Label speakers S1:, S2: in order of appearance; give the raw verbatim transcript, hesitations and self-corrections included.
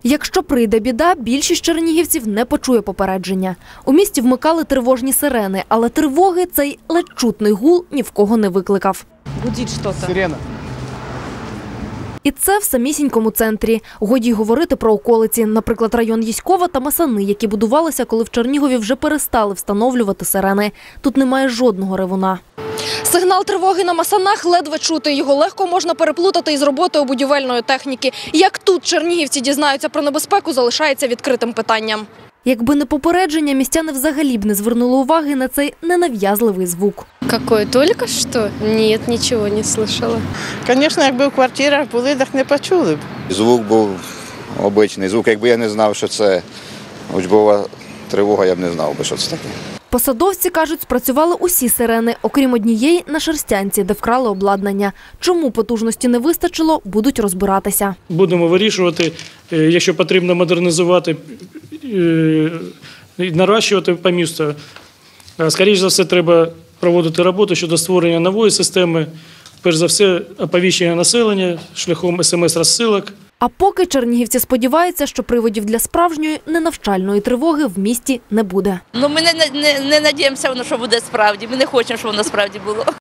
S1: Якщо прийде біда, більшість чернігівців не почує попередження. У місті вмикали тривожні сирени, але тривоги цей ледь чутний гул ні в кого не викликав.
S2: Гудить щось.
S3: Сирена.
S1: І це в самісінькому центрі. Годі й говорити про околиці, наприклад, район Єськова та Масани, які будувалися, коли в Чернігові вже перестали встановлювати сирени. Тут немає жодного ревуна. Сигнал тривоги на Масанах ледве чути. Його легко можна переплутати із роботою будівельної техніки. Як тут чернігівці дізнаються про небезпеку, залишається відкритим питанням. Якби не попередження, містяни взагалі б не звернули уваги на цей ненав'язливий звук.
S4: Какое, только что? Нет, ничего не слышала.
S2: Звісно, якби в квартирах були, так не почули б.
S5: Звук був обичний звук. Якби я не знав, що це учбова тривога, я б не знав би, що це таке.
S1: Посадовці кажуть, спрацювали усі сирени, окрім однієї на Шерстянці, де вкрали обладнання. Чому потужності не вистачило, будуть розбиратися.
S6: Будемо вирішувати, якщо потрібно модернізувати, нарощувати по місту. Скоріше за все, треба проводити роботу щодо створення нової системи, перш за все, оповіщення населення шляхом смс-розсилок.
S1: А поки чернігівці сподіваються, що приводів для справжньої ненавчальної тривоги в місті не буде.
S7: Ну, ми не, не, не надіємося, що буде справді. Ми не хочемо, щоб воно справді було.